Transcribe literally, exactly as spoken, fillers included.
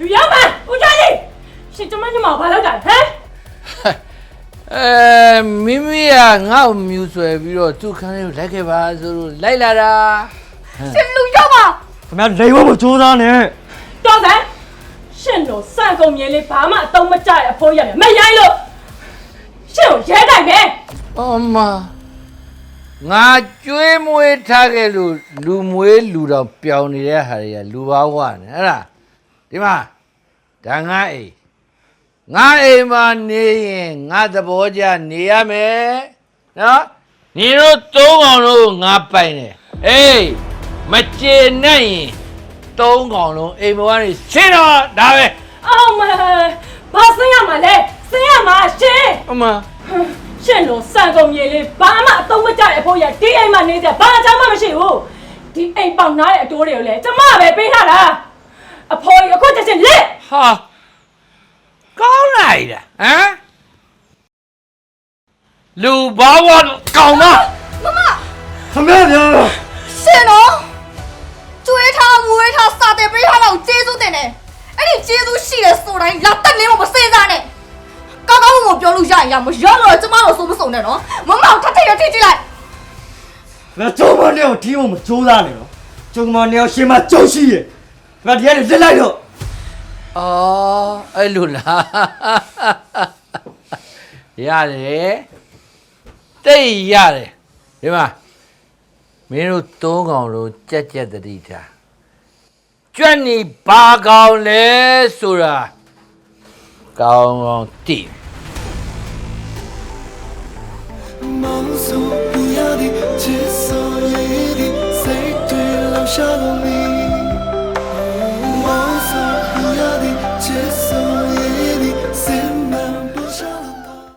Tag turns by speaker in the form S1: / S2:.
S1: လူရောက်ပါဦးကျော်လေးရှင်ကျမညမဘာလုပ်တာဟမ်
S2: အဲမိမိကငါ့ကိုမြူဆွဲပြီးတော့သူ့ခန်းလေးကိုလိုက်ခဲ့ပါဆိုလို့လိုက်လာတာ
S1: ရှင်လူရောက်ပါ
S3: ခင်ဗျာလိန်ဝတ်မကြိုးစားနဲ့
S1: တော်စမ်းရှင်တို့စံကုန်မြင်လေးဘာမှအသုံးမကျတဲ့အဖိုးရမယ်မရိုင်းလို့ရှင်ကိုရဲတိုင်မယ်
S2: အော်မငါကျွေးမွေးထားခဲ့လို့လူမွေးလူတော်ပျောင်နေတဲ့ဟာတွေကလူဘာဝနဲ့ဟဲ့လားဒီမှာဒါငါအိမ်ငါအိမ်မှာနေရင်ငါသဘောကျနေရမယ်နော်ညီတို့သုံးကောင်လုံးငါပိုင်တယ်အေးမကျေနဲ့ရင်သုံးကောင်လုံးအိမ်ပေါ်ကနေရှင်းတော့ဒါပဲ
S1: အော်မဘာစင်းရမှာလဲစင်းရမှာရှင်
S2: အမ
S1: ရှင်တို့စံကုန်မြေလေးဘာမှအသုံးမကျတဲ့အဖိုးရဒီအိမ်မှာနေကြဘာအကြောင်းမှမရှိဘူးဒီအိမ်ပေါက်နားတဲ့အတိုးတွေကိုလည်းကျမပဲပေးထားတာအဖိုးကြီးအခုချက်ချင်းလက်
S2: ဟာကောင်းလိုက်တာဟမ်လူဘာဝကောင်မ
S1: မမ
S3: ခင်ဗျာဗျာ
S1: ရှင်တို့ကျွေးထားမွေးထားစာတယ်ပေးထားတော့ကျေးဇူးတင်တယ်အဲ့ဒီကျေးဇူးရှိတယ်ဆိုတိုင်းလာတက်နေမမစေးစားနဲ့ကောင်းကောင်းမပြောလို့ရရင်ရမရတော့ကျမတို့စိုးမစုံနဲ့နော်မမောင်ထထရထိကြည့်လိုက်
S3: ငါကျုံမနဲ့ကိုဒီမမကြိုးစားနဲ့နော်ကျုံမနဲ့ကိုရှင်မကြုံရှိရဲ့ငါဒီကနေလက်လိုက်တော့
S2: အော်အဲ့လိုလားရတယ်တိတ်ရတယ်ဒီမှာမင်းတို့သုံးကောင်လုံးကြက်ကြက်တတိထားကြွက်နေဘာကောင်လဲဆိုတာကောင်းကောင်းသိ
S4: 梦诉不要的，接受夜的，谁对留下了你。